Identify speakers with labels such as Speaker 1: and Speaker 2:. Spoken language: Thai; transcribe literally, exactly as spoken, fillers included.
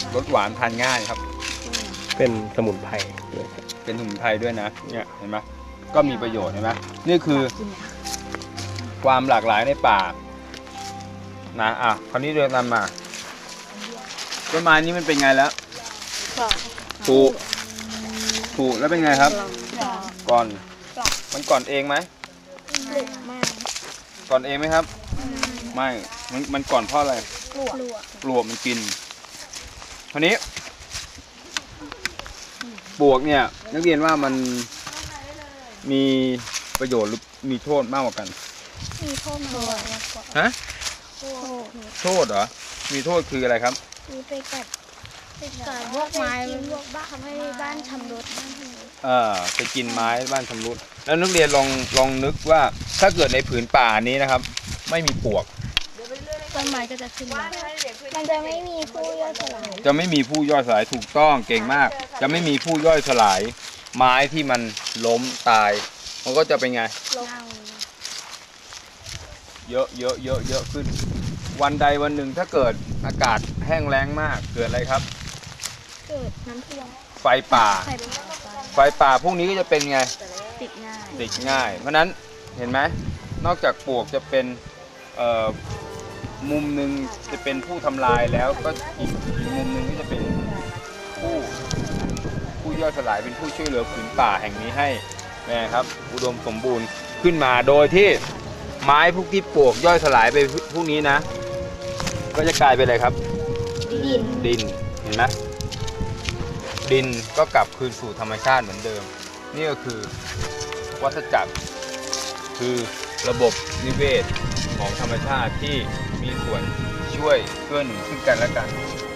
Speaker 1: รสหวานทานง่ายครับ
Speaker 2: เป็นสมุนไพรด้วย
Speaker 1: เป็นสมุนไพรด้วยนะเนี่ยเห็นไหมก็มีประโยชน์เห็นไหมนี่คือความหลากหลายในป่านะอ่ะคราวนี้เดินตามมาต้นไม้นี้มันเป็นไงแล้วปลูกปลูกแล้วเป็นไงครับ ก่อนมันก่อนเองไหมก่อนเองไหมครับ ไม่มันมันก่อนเพราะอะไรปลวกปลวกมันกินคราวนี้ปลวกเนี่ยนักเรียนว่ามันมีประโยชน์หรือมีโทษมากกว่ากัน
Speaker 3: มีโทษมากกว่า
Speaker 1: ฮะ
Speaker 3: โทษ
Speaker 1: โทษเหรอมีโทษคืออะไรครับ
Speaker 3: มีไปกัดไปกัดพวกไม้พวกบ้านทำให้บ้านชำรุด
Speaker 1: เออไปกินไม้บ้านชำรุดแล้วนักเรียนลองลองนึกว่าถ้าเกิดในผืนป่านี้นะครับ ไม่มีปลวก
Speaker 3: ต้นไม้ก็จะขึ้นมามันจะไม่มีผู้ย่อยสลาย
Speaker 1: จะไม่มีผู้ย่อยสลายถูกต้องเก่งมาก จะไม่มีผู้ย่อยสลาย ไม้ที่มันล้มตาย มันก็จะเป็นไง
Speaker 3: ลง
Speaker 1: เยอะเยอะเยอะเยอะขึ้น วันใดวันหนึ่งถ้าเกิดอากาศแห้งแล้งมากเกิดอะไรครับ
Speaker 3: เกิดน้ำท่วม
Speaker 1: ไฟป่า
Speaker 3: ไฟ
Speaker 1: ไฟป่าพวกนี้ก็จะเป็นไง
Speaker 3: ติดง่าย
Speaker 1: ติดง่าย เพราะนั้นเห็นไหมนอกจากปลวกจะเป็นเอ่อมุมหนึ่งจะเป็นผู้ทำลายแล้วก็อีกอีกมุมหนึ่งก็จะเป็นผู้ผู้ย่อยสลายเป็นผู้ช่วยเหลือผืนป่าแห่งนี้ให้นะครับอุดมสมบูรณ์ขึ้นมาโดยที่ไม้พวกที่ปลวกย่อยสลายไปพวกนี้นะ ก็จะกลายเป็นอะไรครับ
Speaker 3: ดิน
Speaker 1: ดินเห็นไหมดินก็กลับคืนสู่ธรรมชาติเหมือนเดิม นี่ก็คือวัฏจักรคือระบบนิเวศของธรรมชาติที่มีส่วนช่วยเกื้อหนุนซึ่งกันและกัน